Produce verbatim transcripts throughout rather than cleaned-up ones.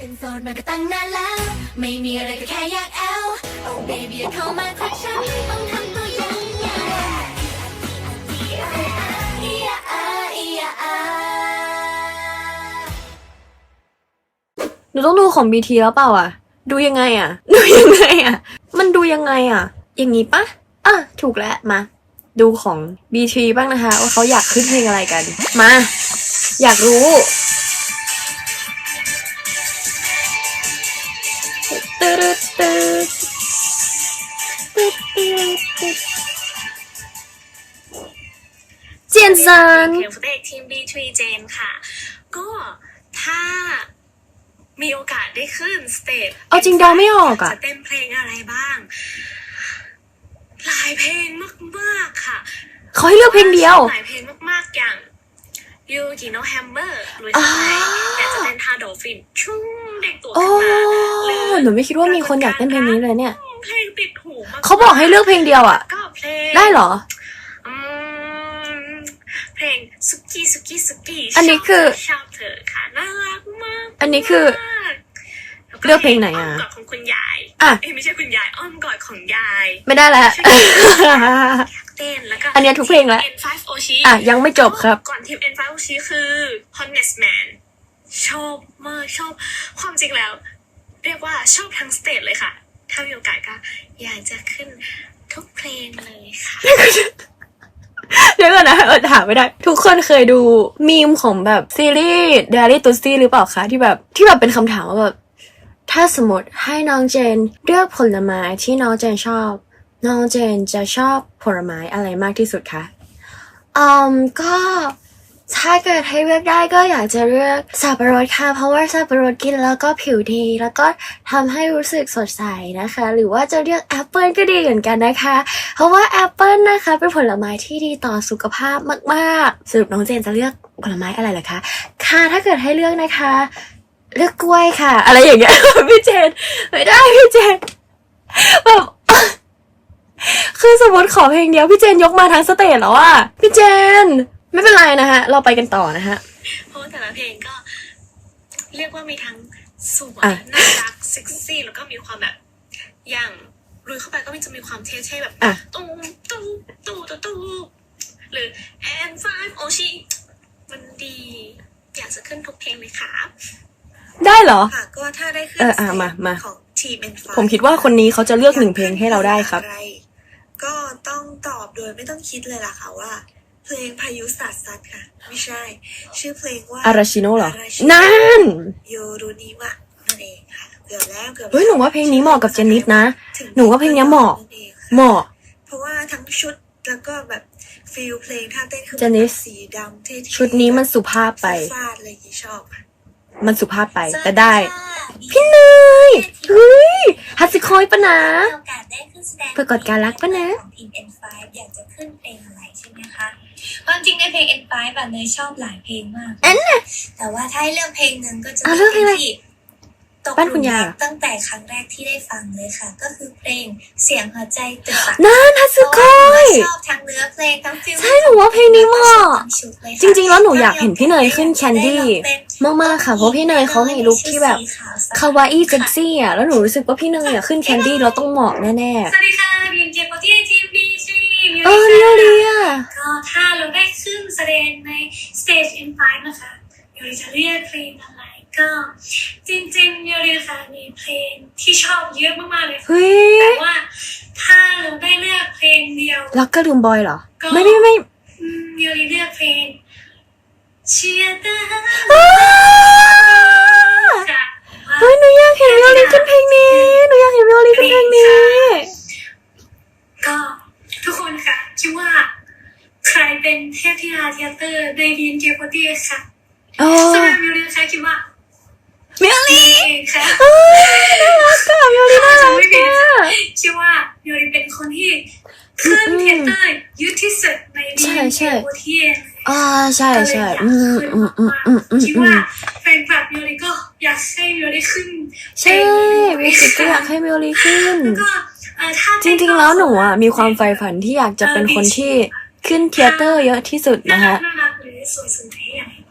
เป็นโสดมาก็ตั้งนานแล้วไม่มีอะไรก็แค่อยากแอล Oh baby อย่าเข้ามาทักฉันต้องทำตัวอย่างไงหนูต้องดูของ บี ที แล้วเปล่าอ่ะดูยังไงอ่ะดูยังไงอ่ะมันดูยังไงอ่ะอย่างงี้ปะอ่ะถูกแล้วมาดูของ บี ที บ้างนะคะว่าเขาอยากขึ้นเพลงอะไรกันมาอยากรู้ตึ๊ดตึ๊ดตึ๊ดตึ๊ดตึ๊ดเจียนซันเพลงฟุตเอกทีม บี ทรี เจนค่ะก็ถ้ามีโอกาสได้ขึ้นสเตจเอาจริงเดาไม่ออกอ่ะจะเต้นเพลงอะไรบ้างหลายเพลงมากๆค่ะเขาให้เลือกเพลงเดียวหลายเพลงมากๆอย่างยูกิโนแฮมเบอร์หรือจะไหนอยากจะเต้นท่าโดฟินชุ่มเด็กตัวขึ้นมาหรือหนูไม่คิดว่ามีคนอยากเต้นเพลงนี้เลยเนี่ยเพลงติดหูมากเขาบอกให้เลือกเพลงเดียวอ่ะได้เหรอเพลงสุกี้สุกี้สุกี้อันนี้คือชอบเธอค่ะน่ารักมากอันนี้คือเลือกเพลงไหนอ่ะอ้อมกอดของคุณยายอ่ะไม่ใช่คุณยายอ้อมกอดของยายไม่ได้แล้วเต้นแล้วก็อันนี้ทุกเพลงแล้วเอ็น ไฟว์ โอ ชิอ่ะยังไม่จบครับก่อนทีม เอ็น ไฟว์ โอ ชิ คือ Honest Man ชอบมากชอบความจริงแล้วเรียกว่าชอบทั้งสเตจเลยค่ะถ้ามีโอกาสก็อยากจะขึ้นทุกเพลงเลยค่ะเดี๋ยวก่อนนะเออถามไม่ได้ทุกคนเคยดูมีมของแบบซีรีส์ Diary Tuesday หรือเปล่าคะที่แบบที่แบบเป็นคำถามว่าแบบถ้าสมมติให้น้องเจนเลือกผลไม้ที่น้องเจนชอบน้องเจนจะชอบผลไม้อะไรมากที่สุดคะอืมก็ถ้าเกิดให้เลือกได้ก็อยากจะเลือกสับปะรดค่ะเพราะว่าสับปะรดกินแล้วก็ผิวดีแล้วก็ทำให้รู้สึกสดใสนะคะหรือว่าจะเลือกแอปเปิลก็ดีเหมือนกันนะคะเพราะว่าแอปเปิลนะคะเป็นผลไม้ที่ดีต่อสุขภาพมากๆสรุปน้องเจนจะเลือกผลไม้อะไรล่ะคะค่ะถ้าเกิดให้เลือกนะคะเลือกกล้วยค่ะอะไรอย่างเงี้ยพี่เจนไม่ได้พี่เจนแบบคือสมมติขอเพลงเดียวพี่เจนยกมาทั้งสเตจแล้วอะพี่เจนไม่เป็นไรนะฮะเราไปกันต่อนะฮะเพราะแต่ละเพลงก็เรียกว่ามีทั้งสวยน่ารักเซ็กซี่แล้วก็มีความแบบอย่างลุยเข้าไปก็มันจะมีความเท่ๆแบบตู้ตู้ตู้ตู้ตู้หรือ แอน ไฟว์ โอ ชิ มันดีอยากจะขึ้นทุกเพลงเลยค่ะได้เหรอค่ะก็ถ้าได้ขึ้นเอออ่ะมามาของทีม เอ็น ไฟว์ผมคิดว่าคนนี้เขาจะเลือกหนึ่งเพลงให้เราได้ครับก็ต้องตอบโดยไม่ต้องคิดเลยล่ะค่ะว่าเพลงพายุสัตว์สัตว์ค่ะไม่ใช่ชื่อเพลงว่าอาราชิโนะเหรอนั่นโยรุนิวะนั่นเองค่ะเกือบแล้วเกือบเฮ้ยหนูว่าเพลงนี้เหมาะกับเจนนิสนะหนูว่าเพลงนี้เหมาะเหมาะเพราะว่าทั้งชุดแล้วก็แบบฟีลเพลงท่าเต้นคือเจนนิสสีดำเท่ชุดนี้มันสุภาพไปฟาดอะไรอย่างนี้ชอบค่ะมันสุภาพไปแต่ได้พี่เนยเฮ้ยฮัตสึคอยปะนะเพื่อกดการรักปะนะทีม เอ็น ไฟว์ อยากจะขึ้นเพลงอะไรใช่ไหมคะความจริงในเพลง เอ็น ไฟว์ แบบเนยชอบหลายเพลงมากแต่ว่าถ้าให้เลือกเพลงหนึ่งก็จะเป็นเพลงที่ตกหลุมรักตั้งแต่ครั้งแรกที่ได้ฟังเลยค่ะก็คือเพลงเสียงหัวใจตึกตักนั่นฮัตสึคอยชอบทั้งเนื้อเพลงทั้งฟิลใช่หนูว่าเพลงนี้เหมาะจริงๆแล้วหนูอยากเห็นพี่เนยขึ้นแคนดี้มากๆค่ะเพราะพี่เนยเขามีลุคที่แบบคาวาอี้เซ็กซี่อ่ะแล้วหนูรู้สึกว่าพี่เนยอ่ะขึ้นแคนดี้เราต้องเหมาะแน่ๆสวัสดีค่ะบีมเจโปตี้ทีมบีซีเออเรียวเรียก็ถ้าเราได้ขึ้นแสดงในสเตจ เอ็น ไฟว์ นะคะยูริจะเรียกเพลงอะไรก็จริงๆยูริค่ะมีเพลงที่ชอบเยอะมากๆเลยแต่ว่าถ้าเราได้เลือกเพลงเดียวรักก็ลืมบอยเหรอไม่ไม่ไม่ยูริเลือกเพลงเชียร์ตาเฮ้ยหนูอยากเห็นวิโอลินขึ้นเพลงนี้หนูอยากเห็นวิโอลินขึ้นเพลงนี้ก็ทุกคนค่ะคิดว่าใครเป็นเทพธิดาเทเตอร์ในดีนเจโปตี้ค่ะสำหรับวิโอลินค่ะคิดว่าวิโอลินค่ะน่ารักค่ะวิโอลินน่ารักค่ะคิดว่าวิโอลินเป็นคนที่ขึ้นเทเตอร์ยุทธที่สุดในดีนเจโปตี้อ่าใช่ใช่อืมอืมอืมอืมอืมคิดว่าแฟนคลับวิโอลินก็อยากให้วิโอลินขึ้นใช่วิโอลินก็อยากให้วิโอลินขึ้นจริงๆแล้วหนูอ่ะมีความใฝ่ฝันที่อยากจะเป็นคนที่ขึ้นเทเตอร์เยอะที่สุดนะคะน่ารักหรือสวยสุดที่อย่างนี้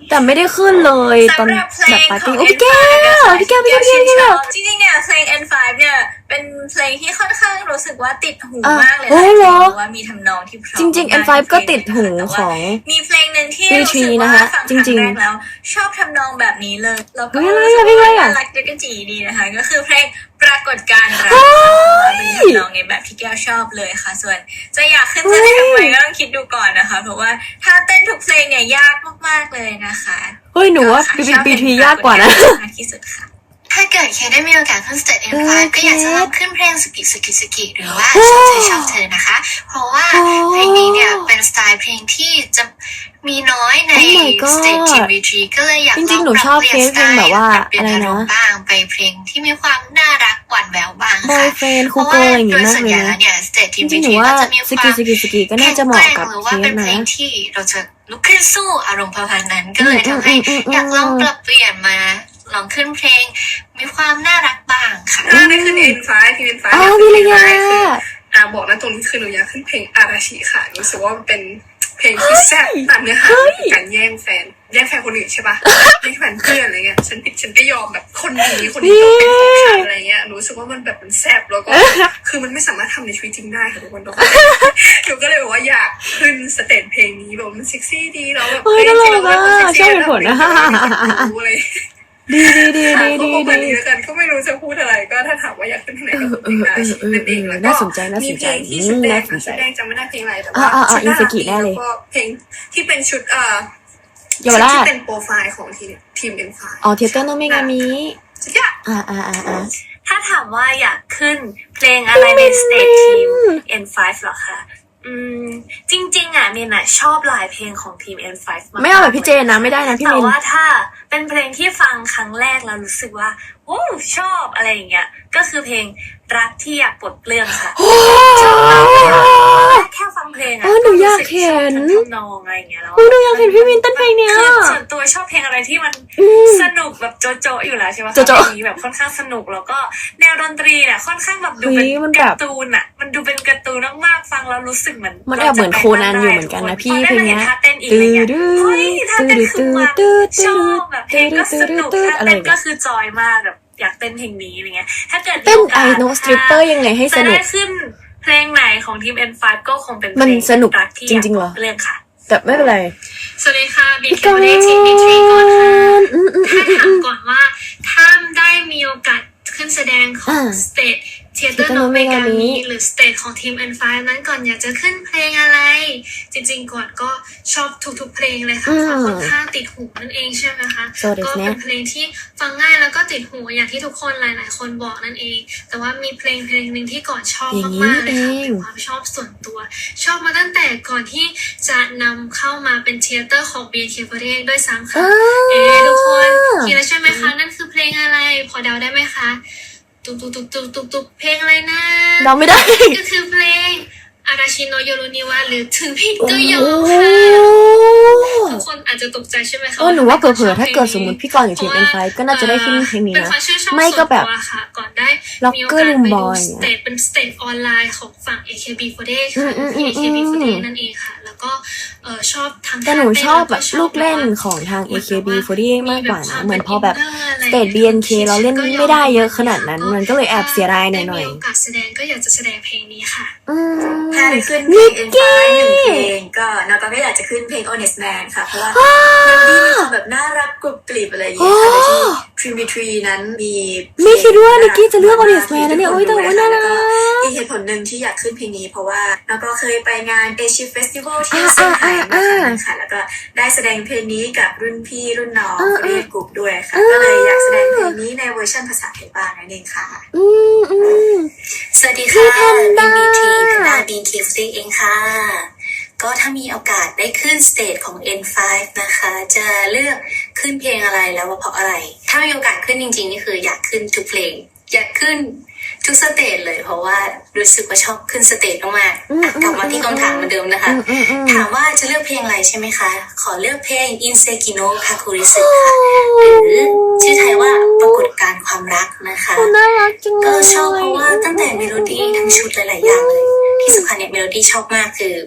แต่ไม่ได้ขึ้นเลยตอนสำหรับเพลแบบงปาร์ขตี้องโอ้เอ็พี่นแก้ไฟว์วนะคะพี่แก้วพี่ที่แก้วพี่ชื่นแก้ชวอบจริงๆเนี่ยเพลง เอ็น ไฟว์ เนี่ยเป็นเพลงที่ค่อนข้างรู้สึกว่าติดหูอ่ะมากเลยโอ้นะเหรอเพราะว่ามีทำนองที่เพราะจริงๆ เอ็น ไฟว์มากๆก็ติดหูแต่ขว่าองมีเพลงหนึ่งที่บีรู้ทรีสึกนะว่าคะฟังคจรั้ริงงๆแรกแล้วชอบทำนองแบบนี้เลยแล้วก็เฮ้ยอะไรรู้สึกอะว่าเพลงอะไรอะน่ารักด้วยกันจีดีนะคะก็คือเพลงปรากฏการณ์รักเฮ้ค่ะยเพราะว่าเป็นทำนองในแบบที่แก้วชอบเลยค่ะ ส่วนจะอยากขึ้นแสดงไหมก็ต้องคิดดูก่อนนะคะ เพราะว่าถ้าเต้นทุกเพลงเนี่ยยากมากๆเลยนะคะเฮ้ยหนูว่าค่ะบีชอบเพบีลงทีปรยากกว่านะฏรณ์มากที่สุดค่ะถ้าเกิดเคได้มีโอกาสขึ้นสเตจ เอ็น ไฟว์เออก็อยากจะลองเคขึ้นเพลงสกิสกิสกิหรือว่าโอ้ชอบเธอชอบเธอนะคะ เพราะว่าโอ้เพลงนี้เนี่ยเป็นสไตล์เพลงที่จะมีน้อยใน Oh my god สเตจทีมวีทีก็เลยอยากจลริอง งๆหนูปรับชอบเปลี่ยนเคสสไตเพลงล์แบบว่าปรับเปลี่ยนอะไรอานะรมณ์บ้างไปเพลงที่มีความน่ารักหวานแหววบ้างบอค่ะยเฟรนด์เพคูราะเกอว่าร์อย่างโดงี้ยมากส่วนเลใหยญ่แล้นะวเนี่ยสเตจทีมจริวีงๆหนูทีว่าก็จะมีสควากิมสกิสกิก็น่าจะเหมาะกับหรือเคว่าเป็นสเพลนะงที่เราจะลุกขึ้นสู้อารมณ์ประมาณนั้นก็เลยทำให้อืมอืมอืมอยากลองปรับเปลี่ยนมาลองขึ้นเพลงมีความน่ารักบ้างค่ะถ้าได้ขึ้น เอ็น ไฟว์ ทีม เอ็น ไฟว์อ๋ออยากวิขึ้นริเพลงยาอะไรคืออ่าบอกนะตรงนี้คือหนูอยากขึ้นเพลงอาราชิค่ะรู้สึกว่ามันเป็นเพลงที่แซ่บตามเนื้อหามันคือการแย่งแฟนแย่งแฟนคนอื่นใช่ปะแย่งแฟนเพื่อนอะไรเงี้ยฉันผิดฉันก็ยอมแบบคนนี้คนนี้ต้องเป็นของฉันอะไรเงี้ยหนูรู้สึกว่ามันแบบมันแซ่บแล้วก็คือมันไม่สามารถทำในชีวิตจริงได้ค่ะทุกคนทุกคนหนูก็เลยบอกว่าอยากขึ้นสเตจเพลงนี้แบบมันเซ็กซี่ดีแล้วแบบเฮ้ยเพลงที่เราน่ารักเป็นคนเซ็กซี่ชอบเหตุผลนะแล้วแบบมีคนรู้อะไรดีดีดีค่ะดีก็ดีประมาณดีนี้แล้วกันก็ไม่รู้จะพูดอะไรก็ถ้าถามว่าอยากขึ้นเพลงไหนก็เพลงอาชีพนั่นเองแล้วก็น่าสนใจน่าสนใจมีเพลงที่ชุดแดงน่าสนใจชุดแดงจำไม่ได้เพลงอะไรแต่อ่าว่าอ่าชุดน่าอินสรักกิดีแน่เลยแล้วก็เพลงที่เป็นชุดเอ่อเยาวชุดราที่ชเป็นโปรไฟล์ของทีมทีมเอ็นไฟอ๋อเทเตอร์โนเมกามิสุดยอดอ่าอ่าอ่าอ่าถ้าถามว่าอยากขึ้นเพลงอะไรในสเตจทีม เอ็น ไฟว์ เหรอคะ อืม จริงๆอ่ะมินอ่ะชอบหลายเพลงของทีม เอ็น ไฟว์ มากๆไม่เอาแบบพี่เจนนะไม่ได้นะพี่แต่มินว่าถ้าเป็นเพลงที่ฟังครั้งแรกแล้วรู้สึกว่าโอ้ชอบอะไรอย่างเงี้ย ก็คือเพลงรักที่อยากปลดเปลื้องค่ะ ชอบมากเลยอะแค่ฟังเพลงอะเออหนูอยากเห็นรู้สึกชอบทั้งทำนองอะไรอย่างเงี้ยแล้วเออหนูอยากเห็นพี่มินเต้นเพลงเนี้ยคือส่วนตัวชอบเพลงอะไรที่มันอืมสนุกแบบโจ๊ะๆอยู่แล้วใช่ไหมคะโจ๊ะๆเพลงนี้แบบค่อนข้างสนุกแล้วก็แนวดนตรีเนี่ยค่อนข้างแบบดูเป็นเฮ้ยมันแบบการ์ตูนอะมันดูเป็นการ์ตูนมากๆฟังแล้วรู้สึกเหมือนมันแอบเหมือนโคนันอยู่เหมือนกันนะพี่พอได้มาเพลงเนี้เห็นยท่าเต้นอีกอะไรเงี้ยตื้อเฮ้ยท่าเต้นคือมันตื้อชอบแบบเพลงก็สนุกตื้อท่าอะไรเต้นอย่างเงี้ยก็คือจอยมากแบบอยากเต้นเพลงนี้อะไรเงี้ยถ้าเกิดเต้นมีโอกาไอสโนสตริปเปอร์ยังไงให้สจะนุได้กขึ้นเพลงไหนของทีม เอ็น ไฟว์ ก็คงเป็นเพมันลงสนุกรัที่จริงๆเหรอเรื่องค่ะแต่ไม่เป็นไรสวัสดีค่ะบีพี่เคกาวันรนี้ทีมบีทรีก่อนค่ะอืมอืมอืถ้ามอืถาม มก่อนว่าถ้าได้มีโอกาสขึ้นแสดงของอ่าสเตจเทเตอร์ Theater โนเมกา Nomegami มิหรือสเตจของทีม เอ็น ไฟว์ นั้นก่อนอยากจะขึ้นเพลงอะไร จริงๆก่อนก็ชอบทุกๆเพลงเลยค่ะอืมเพราะค่อนข้างติดหูนั่นเองใช่ไหมคะそうですねก็เป็นเพลงที่ฟังง่ายแล้วก็ติดหูอย่างที่ทุกคนหลาย ๆ คนบอกนั่นเอง แต่ว่ามีเพลงเพลงหนึ่งที่ก่อนชอบอย่างนี้มากๆเลยค่ะเองเป็นความชอบส่วนตัว ชอบมาตั้งแต่ก่อนที่จะนำเข้ามาเป็นเทเตอร์ของ บี เอ็น เค ฟอร์ตี้เอท ด้วยซ้ำค่ะอ่าเอ๊ะทุกคนคิดแล้วใช่ไหมคะ นั่นคือเพลงอะไร พอเดาได้ไหมคะ ตุกตุกตุกตุกตุกตุกเพลงอะไรนะเราไม่ได้ก็คือเพลงอาราชิโนโยรุนิวะหรือถึงผิดก็ยอโอ้มโหค่ะทุกคนอาจจะตกใจใช่ไหมคะเออหนูว่าเผลอๆถ้าเกิดสมมติพี่กรณ์อยู่ทีม เอ็น ไฟว์ ก็น่าจะได้ขึ้นเพลงนี้เป็นนะความชื่นชอบไม่ก็แบบส่วนตัวค่ะก่อนได้ล็อกมีโอเกอร์กาสลุมไปบดูอยสเตจเป็นสเตจออนไลน์ของฝั่ง เอ เค บี ฟอร์ตี้เอทอืค่ะมอืมที่ เอ เค บี ฟอร์ตี้เอทอืมนั่นเองค่ะ แล้วก็เออชอบทั้งแต่หนูชอบแบบท่าต้ลูกเล่นของทาง เอ เค บี ฟอร์ตี้เอท มากกว่านะ เหมือนพอแบบสเตจ บี เอ็น เค เราเล่นไม่ได้เยอะขนาดนั้น มันก็เลยแอบเสียดายหน่อยได้มีโอกาสแสดงก็อยากจะแสดงเพลงนี้ค่ะๆอืมถ้าได้ขึ้นเพลง เอ็น ไฟว์ หนึ่งเพลงก็นากก็อยากจะขึ้นเพลง Honest Man ค่ะ เพราะว่าเมโลดี้มีความแบบน่ารักกรุบกริบอะไรอย่างเงี้ยค่ะโดยที่ Dream b ทรีนั้นมีเพลงไม่คิดว่านิกกี้จะเลือกา Honest Man นะเนี่ยโอ๊ยแต่ว่าน่ารักแล้วก็อีกเหตุผลหนึ่งที่อยากขึ้นเพลงนี้ เพราะว่าแล้วก็เคยไปงานเอเชียเฟสติวัลที่อ่าเซี่ยงไฮ้อ่ามาอ่าครั้งค่ะแล้วก็ได้แสดงเพลงนี้กับรุ่นพี่รุ่นน้องอ่าเรียกกลุ่มด้วยค่ะอ่าก็เลยอยากแสดงเพลงนี้ในเวอร์ชันภาษาไทยบ้างนั่นเองค่ะอืมอืมสวัสดีพี่ค่ะแพนด้าบี ที แพนด้า บี เค ฟอร์ตี้ เองค่ะ ก็ถ้ามีโอกาสได้ขึ้นสเตจของ เอ็น ไฟว์ นะคะ จะเลือกขึ้นเพลงอะไรแล้วว่าเพราะอะไร ถ้ามีโอกาสขึ้นจริงๆนี่คืออยากขึ้นทุกเพลง อยากขึ้นทุกสเตจเลย เพราะว่ารู้สึกว่าชอบขึ้นสเตจมากๆอ่ะกลับมาที่คำถามเหมือนเดิมนะคะอืมอืมอืมถามว่าจะเลือกเพลงอะไรใช่ไหมคะ ขอเลือกเพลง อินเซกิโนะ คาคุริสึ ค่ะ หรือชื่อไทยว่าปรากฏการณ์ความรักนะคะน่ารักจังเลก็ยชอบเพราะว่าตั้งแต่เมโลดี้ทั้งชุดหลายๆอย่างเลย ที่สำคัญเนี่ยเมโลดี้ชอบมากคือ ม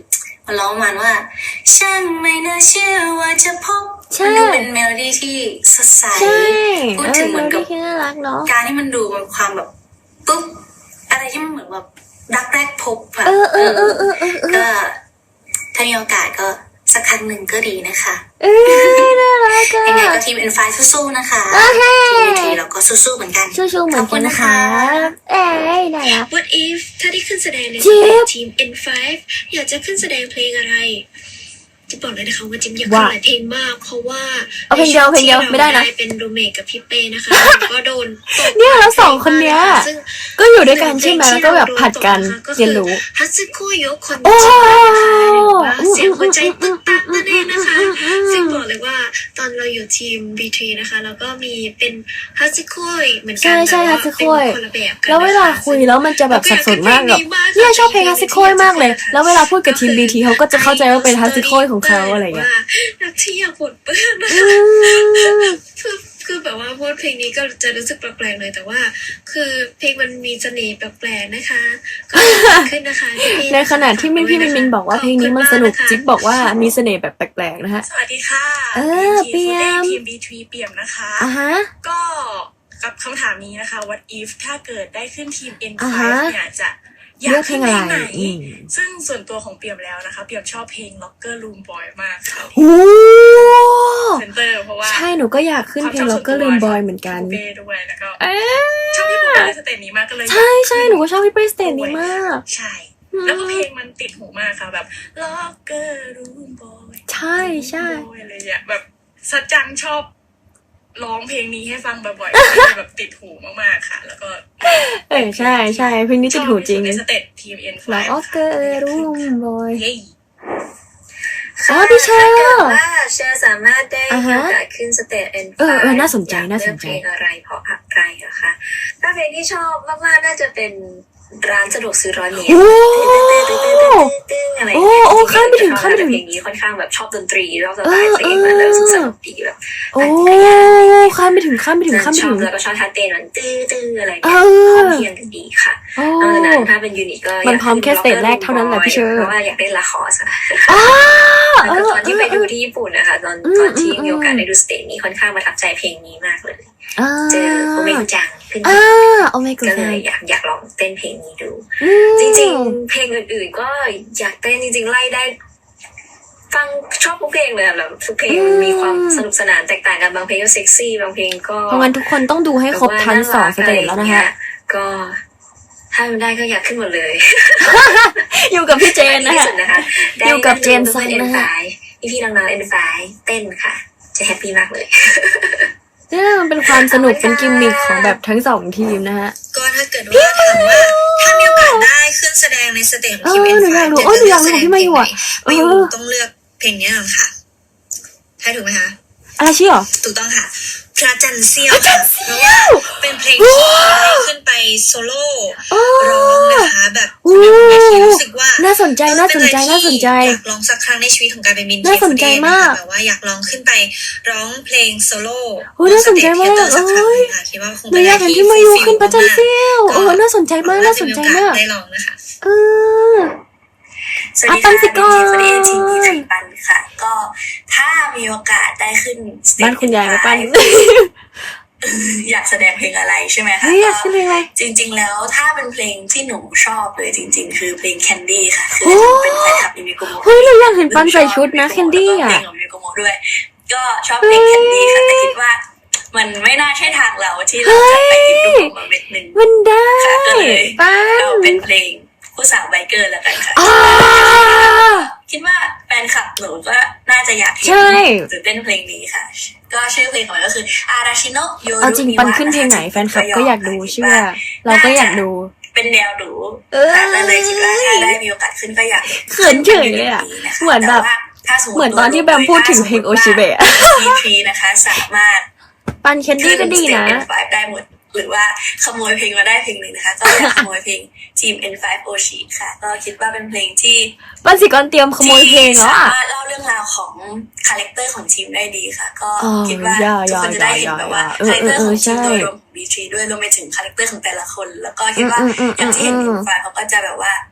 มันร้องประมันว่าฉันไม่น่าเชื่อว่าจะพบใช่มันดูเป็นเมโลดี้ที่สดใสใช่พูดถึงเหมือนกับที่น่ารักเนาะการที่มันดูเป็นความแบบปุ๊บอะไรที่มันเหมือนแบบรักแรกพบอะเออเออเออเออเออเออก็ถ้ามีโอกาสก็สักครั้งหนึ่งก็ดีนะคะเอ้ยน่ารักอะยังไงก็ทีม เอ็น ไฟว์ สู้ๆนะคะโอเคทีม บี ที เราก็สู้ๆเหมือนกันชูๆเหมือนกันนะคะเอ้ยน่ารัก What if ถ้าได้ขึ้นแสดงในจิ๊บทีม เอ็น ไฟว์ อยากจะขึ้นแสดงเพลงอะไรจะบอกเลยนะคะว่าจิมอยากว่าขึ้นหลายเพลงมาก เพราะว่าเอาเพลงเดียวเพลงเดียวไม่ได้นะที่เราเป็นรูเมทกับพี่เป้นะคะแล้วก็โดนตกเนี่ยแล้วสองคนเนี้ยซึ่งก็อยู่ด้วยกันใช่ไหมแล้วก็แบบผัดกันเรียนรู้ฮัตสึโกโยคนโอ้จินะคะหรือว่าเสียงหัวใจตึกตักนั่นเองนะคะ ซึ่งบอกเลยว่าตอนเราอยู่ทีม บี ที นะคะแล้วก็มีเป็นฮัตสึโกยเหมือนกัใช่ใช่แต่ว่าฮัตสึโกยเป็นคนละแบบกันแล้วเวลาคุยแล้วมันจะแบบสับสนมากแบบเนี่ยชอบเพลงฮัตสึโคยมากเลย แล้วเวลาพูดกับทีมบีทีเขาก็จะเข้าใจว่าเป็นฮัตสึโคยของเขาอะไรอย่างเงี้ยนักที่อยากปลดเปื้อนนะอืมคือคือแบบว่าพูดเพลงนี้ก็จะรู้สึกแปลกๆเลยแต่ว่า คือเพลงมันมีเสน่ห์แปลกๆนะคะก็ขึ้นนะคะที่ในขณะที่มินพี่มินมินบอกว่าเพลงนี้มันสนุกจิ๊บบอกว่ามีเสน่ห์แบบแปลกๆนะฮะสวัสดีค่ะเออเปี่ยมทีม บี ที เปี่ยมนะคะอ่ะฮะก็กับคำถามนี้นะคะ what if ถ้าเกิดได้ขึ้นทีม เอ็นอ่าไฟฮะว์ เนี่ยจะอยาเลือก กเพลขึ้งนอะไรเพลงไหนอืมซึ่งส่วนตัวของเปี่ยมแล้วนะคะ เปี่ยมชอบเพลง Locker Room Boy มากค่ะโอ้เซนเตอร์เพราะว่าใช่หนูก็อยากขึ้นเพลงแล้วก็ลืมบอยเหมือนกันพี่ปูเป้ด้วยแล้วก็เอ๊ะชอบพี่ปูเป้ในสเตจนี้มากก็เลยใช่ใช่หนูก็ชอบพี่เปรสเตนนี้มากใช่ แล้วก็เพลงมันติดหูมากค่ะแบบ Locker Room Boy ใช่ใช่ Boy อะไรอย่างเงี้ยแบบสัจจังชอบร้องเพลงนี้ให้ฟังบ่อยๆ ก็เลยแบบติดหูมากๆค่ะ แล้วก็เออใช่ใช่เพลงนี้ติดหูจริงในสเตจทีม เอ็น ไฟว์แล้วออสเกอร์รูมบอยเย้อ๋อพี่เชอร์ถ้าเกิดว่าเชอร์สามารถได้อ่ามีฮะโอกาสขึ้นสเตจ เอ็น ไฟว์เออเออน่าสนใจอยกน่าสนใจเลือกเพลงอะไรเพราะอะไรอะคะถ้าเพลงที่ชอบมากๆน่าจะเป็นร้านสะดวกซื้อร้อยเมตรโอ้อะไรโอ้โอ้ข้ามไปถึงข้ามไปถึงเพลงนี้ค่อนข้างแบบชอบดนตรีชอบสไตล์เพลงมันแล้วรู้สึกสนุกดีแบบโอ้ข้ามไปถึงข้ามไปถึงข้ามไปชอถึบงแล้วก็ชอบท่าเต้นมันตื้อตื้ออะไรเอเงี้ยอพร้อมเพรียงกันดีค่ะโอ้นอกจากนั้นถ้าเป็นยูนิตก็มันพร้อมแค่สเตจแรกเท่านั้นแหละพี่เชอร์เพราะว่าอยากเล่นละครอะอ้าแล้วก็ตอนที่ไปดูที่ญี่ปุ่นนะคะตอนอืมตอนที่อืมมีโอกาสได้ดูสเตจนี้ค่อนข้างประทับใจเพลงนี้มากเลยอ่าเจอโอเมกุจังขึ้นอ่ามาโอเมกุก็ซัเลงยอยากอยากลองเต้นเพลงนี้ดูอืมจริงๆ เพลงอื่นๆก็อยากเต้นจริงๆไล่ได้ ฟังชอบทุกเพลงเลยอะแบบทุกเพลงมันมีความสนุกสนานแตกต่างกันบางเพลงก็เซ็กซี่บางเพลงก็เพราะงั้นทุกคนต้องดูให้ครบทั้งสองสเตจแล้วนะฮะก็ถ้ามันได้ก็อยากขึ้นหมดเลยอยู่กับพี่เจนนะที่ฮะสุดนะคะอยู่กับเจนซังเอ็นนะไฟฮะพี่ๆน้องๆเอ็นไฟเต้นค่ะ จะแฮปปี้มากเลยเนี่ยมันเป็นความสนุกเป็นกิมมิคของแบบทั้งสองทีมนะฮะก็ถ้าเกิดว่าถามว่าถ้ามีโอกาสได้ขึ้นแสดงในสเตจของทีมเอเอ็อน หนูไฟอยากรู้จะเออหนูเลือยาอก กรู้แสดงพี่เพมาลอง ยู่ไหนอ่ะเอมาอยู่อต้องเลือกเพลงนี้ก่อนค่ะใช่ถูกไหมคะอะไรชื่อหรอถูกต้องค่ะพระจันทร์เสี้ยวค่ะเพราะว่าเป็นเพลงที่ได้ขึ้นไปโซโล่ร้องนะคะแบบโอ้ในทีรู้สึกว่าน่าสนใจน่าสนใจเป็น่าสนใจอะไรที่อยากลองสักครั้งในชีวิตของการเป็นมินน่าสนใจมากแบบว่าอยากลองขึ้นไปร้องเพลงโซโล่โอ้ยน่าสนใจมากบนสเตจเทเตอร์สักครั้งหนึ่งค่ะคิดว่าคงหนูเป็นออะยากไรเห็นที่พี่มายู fulfill ขึ้นประจันเซียวมากๆเออน่าสนใจมากน่าสนใจมากได้ลองนะคะเออสวัสดีอ่ะปันสิค่ะก่อนเป็นทีมทีมทีมปันค่ะ ก็ถ้ามีโอกาสได้ขึ้นสเตจบ้านคุณยายไหมปันอยากแสดงเพลงอะไรใช่ไหมคะเฮ้ยอยากขึ้นเพลงอะไรจริง ๆ แล้วถ้าเป็นเพลงที่หนูชอบเลยจริง ๆ คือเพลง Candy ค่ะ คืโอ้อหนูเป็นแฟนคลับยูนิโกโมเฮ้ยเราอยากเห็นปันใส่ชุดนะแคนดี้แล้วก็อ่ะเพลงของยูนิโกโมด้วย ก็ชอบเพลง Candy ค่ะแต่คิดว่า มันไม่น่าใช่ทางเราที่เราจะไปหยิบลูกมาเม็ดหนึ่งมันได้ค่ะก็เลยปันเราเป็นเพลงผู้สาวไบเกอร์แล้วกันค่ะอ่าคิดว่าแฟนคลับหนูก็น่าจะอยากเห็นใช่หรือเต้นเพลงนี้ค่ะ ก็ชื่อเพลงของมันก็คืออาราชิโนะโยเอาจริงปันขึ้นเพลงไหนแฟนคลับก็อยากดูเชื่อเราก็อยากดูเป็นแนวดูเออแล้วเลยคิดว่าถ้าได้มีโอกาสขึ้นก็อยากเขินเฉยเลยอะเหมือนแบบต่ว่าถ้าสติเหมือนตอนที่แบมพูดถึงเพลงโอชิเบะทีพีนะคะสามารถปันแคนดี้ก็ดีนะเอ็น ไฟว์ ได้หมด หรือว่าขโมยเพลงมาได้เพลงหนึ่งนะคะ ก็อยากขโมยเพลงทีม เอ็น ไฟว์ โอชิค่ะ ก็คิดว่าเป็นเพลงที่ปันสิกรเตรียมขโมยเพลงแล้วสาอ่ะมารถเล่าเรื่องราวของคาแรคเตอร์ของทีมได้ดีค่ะ ก็อ๋อคิดว่าอย่าทุกคนจะได้เห็นอย่าแบบว่าอย่าคาแรคเตอร์ของเออเออทีมใช่โดยรวมของ บี ที ด้วยรวมไปถึงคาแรคเตอร์ของแต่ละคน แล้วก็คิดว่าอืมอืมอืมอย่างที่เห็นอืในมไฟล์เขาก็จะแบบว่า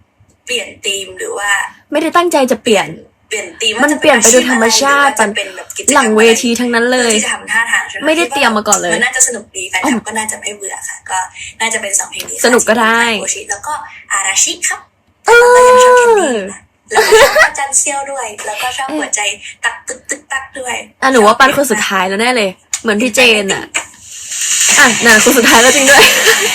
เปลี่ยนธีมหรือว่าไม่ได้ตั้งใจจะเปลี่ยนเปลี่ยนธีมมันเปลี่ยนไปโดยธรรมชาติจะเป็นแบบกิจกรรมหลังเวทีทั้งนั้นเลยที่จะทำท่าทางใช่หไม่ได้เตรียมมาก่อนเลยมันน่าจะสนุกดีแฟนคลับก็น่าจะไม่เบื่อค่ะ ก็น่าจะเป็นสองเพลงนี้ค่ะสนุกก็ได้โอชิแล้วก็อาราชิครับแล้วก็ยังชอบแคนดี้นะแล้วก็ชอบอาจันเซียวด้วย แล้วก็ชอบหัวใจตักตึกตึกตักด้วยอ่ะหนูว่าปันคนสุดท้ายแล้วแน่เลย เหมือนพี่เจนอ่ะอ่ะน่ะคนสุดท้ายแล้วจริงด้วย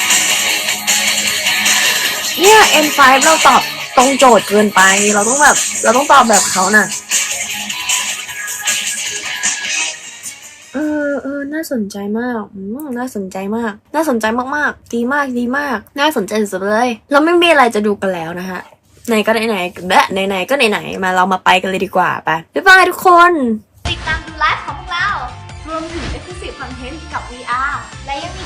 เนี่ย เอ็น ไฟว์ เราตอบตรงโจทย์เกินไป เราต้องแบบ เราต้องตอบแบบเขาน่ะ เออเออน่าสนใจมากอืมน่าสนใจมาก น่าสนใจมากๆ ดีมากดีมาก น่าสนใจสุดๆเลย เราไม่มีอะไรจะดูกันแล้วนะฮะไหนก็ไหนๆและไหนๆก็ไหนๆมาเรามาไปกันเลยดีกว่าไปบ๊ายบายทุกคนติดตามดูไลฟ์ของพวกเรา รวมถึง Exclusive Content กับ วี อาร์ และยังมี